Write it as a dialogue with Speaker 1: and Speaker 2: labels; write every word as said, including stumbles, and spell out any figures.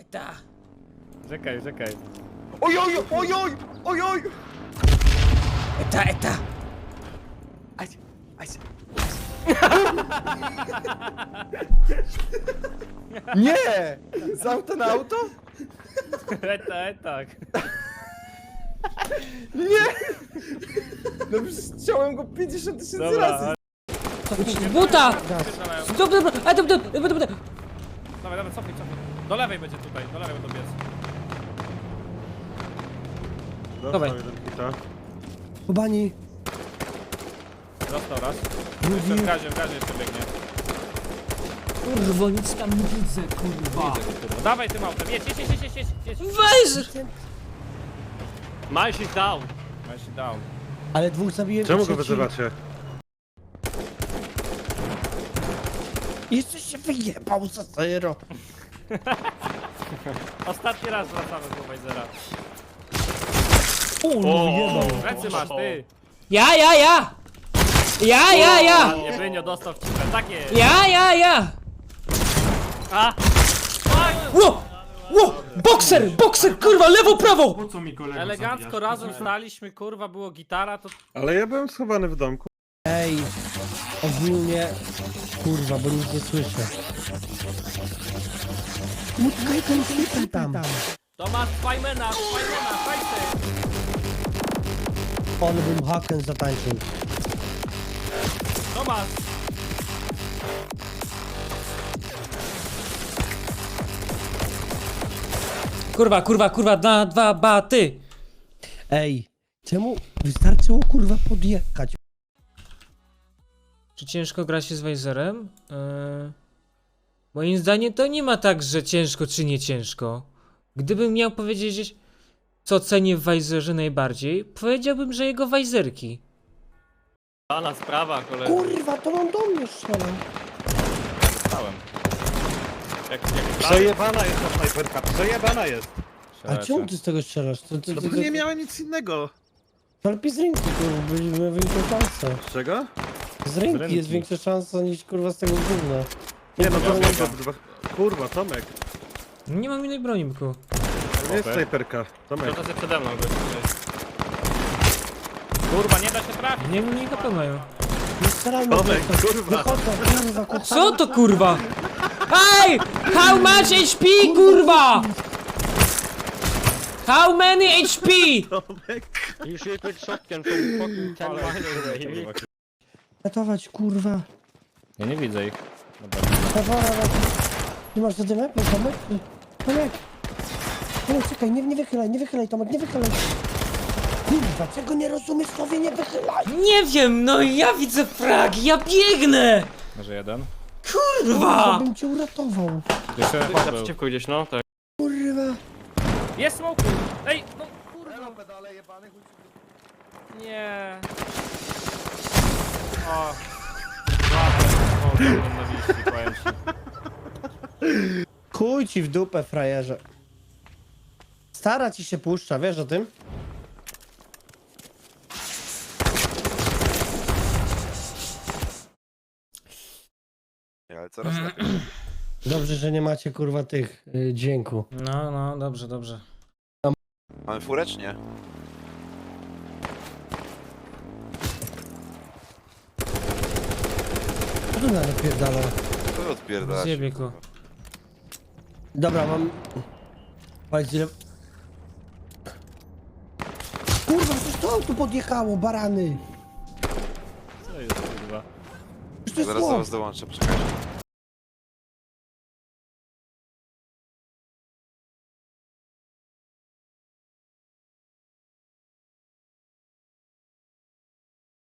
Speaker 1: Eta!
Speaker 2: Czekaj, czekaj.
Speaker 3: Oj, oj, oj, oj, oj, oj!
Speaker 1: Eta, eta!
Speaker 3: Aj, aj. Nie! Z auta na auto?
Speaker 2: Eta, eta.
Speaker 3: Nie! No przecież chciałem go pięćdziesiąt tysięcy
Speaker 2: Dobra,
Speaker 3: razy.
Speaker 1: Buta!
Speaker 2: Pierdalają.
Speaker 1: Dobra, dobra, ale dobra, dobra, dobra.
Speaker 2: Dawaj, dawaj, cofnij, cofnij. Do lewej będzie tutaj, do lewej będą biec.
Speaker 1: Dawaj.
Speaker 4: Kubani,
Speaker 2: Dostał raz.
Speaker 4: drugi.
Speaker 2: Jeszcze w gazie, w gazie jeszcze biegnie.
Speaker 1: Kurwa, nic tam nie widzę, kurwa.
Speaker 2: Kurwa. Dawaj tym autem, jedź, jedź, jedź, jedź, jedź, jedź.
Speaker 1: Weź!
Speaker 5: Miles is down.
Speaker 2: Weź się down.
Speaker 4: Ale dwóch zabiłem.
Speaker 6: Czemu
Speaker 4: i
Speaker 6: go
Speaker 4: trzeci-
Speaker 6: wyzywacie?
Speaker 4: Jeszcze się wyjebał za zero.
Speaker 2: Ostatni raz wracamy do Wajzera.
Speaker 4: O, no wyjebał.
Speaker 2: Ręce masz, ty.
Speaker 1: Ja, ja, ja! Ja, ja, ja!
Speaker 2: Nie, Brynio dostał w cipę, tak jest.
Speaker 1: Ja, ja, ja!
Speaker 2: A!
Speaker 1: Ło! Ło! Bokser! Bokser! Kurwa, lewo, prawo!
Speaker 5: Po co mi kolego
Speaker 2: Elegancko
Speaker 5: zabijasz?
Speaker 2: razem staliśmy, kurwa, było gitara, to...
Speaker 6: Ale ja byłem schowany w domku.
Speaker 4: Ej, ogólnie. Kurwa, bo nic nie słyszę. Utkaj ten flipper tam.
Speaker 2: Tomasz, Fajmena, Fajmena, Fajty!
Speaker 4: On bym haken zatańczył.
Speaker 2: Tomasz!
Speaker 1: Kurwa, kurwa, kurwa, na dwa baty!
Speaker 4: Ej, czemu wystarczyło kurwa podjechać?
Speaker 1: Czy ciężko gra się z Wajzerem? Yy... Moim zdaniem to nie ma tak, że ciężko czy nie ciężko. Gdybym miał powiedzieć, co cenię w Wajzerze najbardziej, powiedziałbym, że jego Wajzerki.
Speaker 5: Pana sprawa, kolego.
Speaker 4: Kurwa, to on do mnie strzelał.
Speaker 2: Stałem.
Speaker 5: Jak, jak
Speaker 6: Przejebana jest ta snajperka, przejebana jest.
Speaker 4: A czemu ty z tego strzelasz? To, to,
Speaker 6: No
Speaker 4: to,
Speaker 6: bo nie miałem nic innego.
Speaker 4: to lepiej z ręki, kurwa, byliśmy większą szansę.
Speaker 6: Z czego?
Speaker 4: Z ręki,
Speaker 2: ręki.
Speaker 4: jest większa szansa niż kurwa z tego gówna.
Speaker 6: Nie no,
Speaker 4: to
Speaker 6: to
Speaker 4: nie-
Speaker 6: dwa... Kurwa, Tomek.
Speaker 1: Nie mam innej broni, byku.
Speaker 6: To nie jest snajperka. Tomek.
Speaker 5: to jest przede mną gościu.
Speaker 2: Kurwa, nie da się trafić.
Speaker 1: Nie wiem, ile to mają.
Speaker 4: Nie strzelajmy.
Speaker 6: Tomek,
Speaker 4: to-
Speaker 6: kurwa.
Speaker 4: Wychodzą, kurwa, kochani.
Speaker 1: Co to kurwa? Ej! How much H P, kurwa? How many H P?
Speaker 6: Tomek.
Speaker 5: You shoot with shotgun from fucking ten miles away.
Speaker 4: Ratować, kurwa.
Speaker 2: Ja nie widzę ich. Dobra.
Speaker 4: Dawaj, dawaj. Ty masz zadymę? Tomek? Tomek! Tomek, czekaj, nie, nie wychylaj, nie wychylaj, Tomek, nie wychylaj. Kurwa, czego nie rozumiesz, sobie nie wychylaj.
Speaker 1: Nie wiem, no ja widzę frag, ja biegnę!
Speaker 2: Może jeden?
Speaker 4: Kurwa,
Speaker 1: Kurwa!
Speaker 4: bym cię uratował.
Speaker 2: Jeszcze
Speaker 5: Ty
Speaker 2: chłop był.
Speaker 5: naprzeciwko gdzieś, no tak.
Speaker 4: Kurwa.
Speaker 2: Jest smoku! Ej, no kurwa. Nie. O. O, to nienawiści, powiem ci.
Speaker 4: Chuj ci w dupę, frajerze. Stara ci się puszcza, wiesz o tym?
Speaker 3: Ale coraz lepiej.
Speaker 4: Dobrze, że nie macie kurwa tych y, dźwięku.
Speaker 1: No, no, dobrze, dobrze.
Speaker 3: Mamy furę czy nie?
Speaker 4: Co tu napierdala?
Speaker 3: To wy odpierdalacie.
Speaker 1: Zjebie go.
Speaker 4: Dobra, mam... Patrz ile... Kurwa, coś to tu podjechało, barany!
Speaker 2: Co jest kurwa?
Speaker 4: Już to jest
Speaker 3: Zaraz do
Speaker 4: chłop.
Speaker 3: was dołączę, poczekajcie.